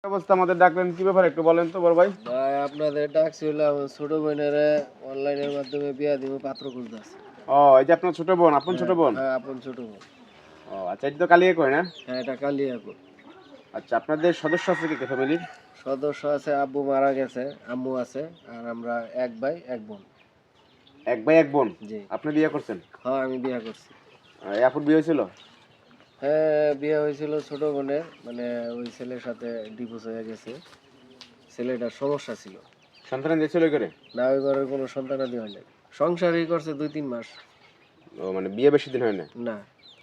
অবস্থা আমাদের ডাকলেন কি ব্যাপার একটু বলেন তো বড় ভাই। ভাই আপনাদের ডাকছিলাম ছোট বোনের অনলাইনের মাধ্যমে বিয়া দিব পাত্র খুঁজতেছে। ও এই যে আপনার ছোট বোন, আপন ছোট বোন। হ্যাঁ আপন ছোট বোন। ও আচ্ছা, এটা তো কালিয়ে কয় না? হ্যাঁ এটা কালিয়াকোট। আচ্ছা, আপনাদের সদস্য আছে কি ফ্যামিলির? সদস্য আছে, আব্বু মারা গেছে, আম্মু আছে, আর আমরা এক ভাই এক বোন। এক ভাই এক বোন। জি। আপনি বিয়ে করছেন? হ্যাঁ আমি বিয়া করছি। এই আপুর বিয়ে হয়েছিল? হ্যাঁ বিয়ে হয়েছিল ছোট বোনের, মানে ওই ছেলের সাথে ডিভোর্স হয়ে গেছে। ছেলেটার সমস্যা ছিল। সন্তান দিয়েছিল করে? না ওই ঘরের কোনো সন্তানাদি হয় না। সংসারই করছে 2-3 মাস। ও মানে বিয়ে বেশি দিন হয় না? না।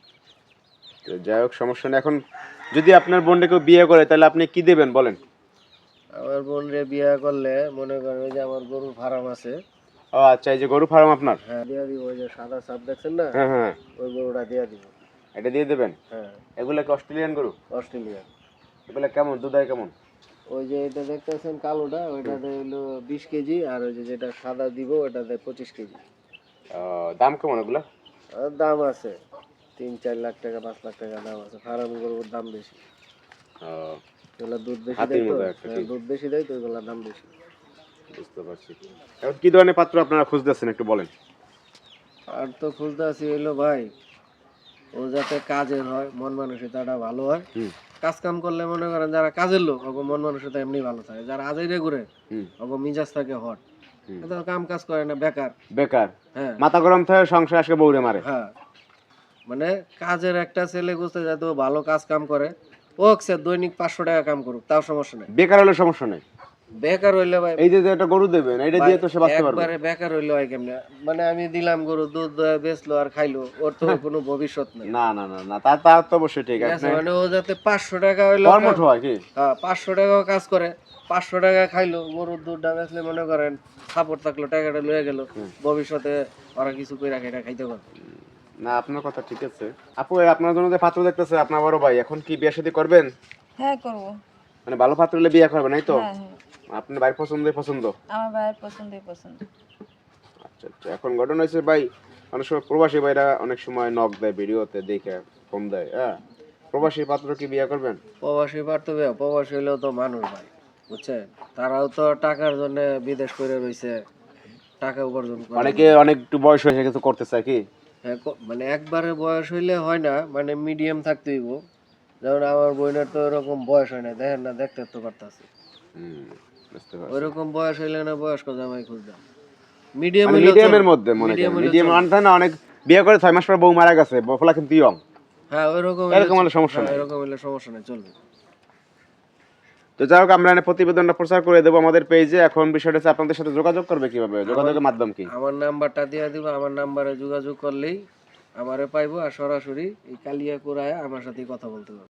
তো যাই হোক, সমস্যা নেই। এখন যদি আপনার বোনকে কেউ বিয়ে করে তাহলে আপনি কি দেবেন বলেন? আমার বোনরে বিয়ে করলে মনে করেন ওই যে আমার গরুর ফার্ম আছে। ও আচ্ছা, এই যে গরু ফার্ম আপনার? হ্যাঁ দিয়া দিব, ওই যে সাদা সাপ দেখছেন না, হ্যাঁ হ্যাঁ, ওই গরুটা দিয়া দিব। এটা দিয়ে দেবেন? হ্যাঁ এগুলা কি অস্ট্রেলিয়ান গরু? অস্ট্রেলিয়ান। এগুলা কেমন দুধ হয় কেমন? ওই যে এটা দেখতেছেন কালোটা, ওইটাতে হইলো 20 কেজি, আর ওই যে যেটা সাদা দিব ওটাতে 25 কেজি। দাম কেমন এগুলা? আর দাম আছে 3-4 লাখ টাকা 5 লাখ টাকা দাম আছে। ফার্ম গরুর দাম বেশি। এগুলা দুধ বেশি হাতির দেয় তো, মতো একটা, ঠিক। দুধ বেশি দেয় তো এগুলার দাম বেশি। বুঝতে পারছি। এখন কি ধরনের পাত্র আপনারা খুঁজতেছেন একটু বলেন? আর তো খুঁজতে আছি হইলো ভাই, ও যাতে কাজের হয়, মন মানসিকতাটা ভালো হয়। হুম কাজ কাম করলে মনে করেন যারা কাজের লোক ওগো মন মানসিকতা এমনি ভালো থাকে, যারা আজাইরে ঘুরে হুম ওগো মিজাজ থাকে হট। হুম। এত কাম কাজ করে না, বেকার। বেকার, হ্যাঁ মাথা গরম থাকে, সংসার আজকে বউরে মারে। হ্যাঁ, মানে কাজের একটা ছেলে খুঁজতে যাতে ও ভালো কাজ কাম করে। ও সে দৈনিক 500 টাকা কাম করুক তাও সমস্যা নেই। বেকার হলে সমস্যা নেই। বেকার হইলে ভাই, এই যে একটা গরু দেবেন, এটা দিয়ে তো সে বাঁচতে পারবে। একবারে বেকার হইলে হয় কেমনে? মানে আমি দিলাম গরু, দুধ বেচলো আর খাইলো, ওর তো কোনো ভবিষ্যৎ নেই। না না না না, তা তো অবশ্যই ঠিক ঠিক আছে, আছে। মানে ও যাতে 500 টাকা হইলো, কর্মঠ হয় কি? হ্যাঁ 500 টাকাও কাজ করে, 500 টাকা খাইলো, গরুর দুধটা বেচলে মনে করেন সাপোর্ট থাকলো, টাকাটা লয়ে গেল, ভবিষ্যতে ওরা কিছু করে রাখে এটা খাইতে পারবে। না, আপনার কথা ঠিক আছে। আপু, আপনার জন্য যে পাত্র দেখতেছে আপনার বড় ভাই, এখন কি বিয়ে শাদী করবেন? হ্যাঁ করব। মানে ভালো পাত্র হলে বিয়ে করবেন, এই তো? হ্যাঁ হ্যাঁ, আপনার ভাই পছন্দই পছন্দ? আমার ভাইয়ের পছন্দই পছন্দ। আচ্ছা আচ্ছা, এখন ঘটনা হয়েছে ভাই, অনেক সময় প্রবাসী ভাইরা অনেক সময় নক দেয়, ভিডিওতে দেখে ফোন দেয়। হ্যাঁ, প্রবাসী পাত্র কি বিয়ে করবেন? প্রবাসী পারতো, প্রবাসী হইলেও তো মানুষ ভাই, বুঝছেন? তারাও তো টাকার জন্য বিদেশ করে রইছে, টাকা উপার্জন করে। অনেকে অনেক একটু বয়স হয়েছে কিছু করতে চায় কি? হ্যাঁ মানে একবারে বয়স হইলে হয় না, মানে মিডিয়াম থাকতে হইব। যেমন আমার বোনের তো এরকম বয়স হয় না, দেখেন না, দেখতে তো পারতাছে। বুঝতে পারছি। ওইরকম বয়স হইলে না বয়স্ক জামাই খুঁজতাম। মিডিয়াম মানে হইলেও মিডিয়ামের চলবে। মধ্যে, মনে মিডিয়াম করেন হইলেও মিডিয়াম চলবে। আনতে না, অনেক বিয়ে করে 6 মাস পর বউ মারা গেছে, বফলা কিন্তু ইয়ং। হ্যাঁ ওইরকম এরকম হলে সমস্যা হ্যাঁ, নাই। এরকম হইলে সমস্যা নেই, চলবে। তো যাই হোক, আমরা প্রতিবেদনটা প্রচার করে দেবো আমাদের পেজে। এখন বিষয়টা হচ্ছে আপনাদের সাথে যোগাযোগ করবে কিভাবে, যোগাযোগের মাধ্যম কি? আমার নাম্বারটা দিয়ে দিব, আমার নাম্বারে যোগাযোগ করলেই আমারে পাইবো, আর সরাসরি এই কালিয়াকুড়ায় আমার সাথে কথা বলতে পারবো।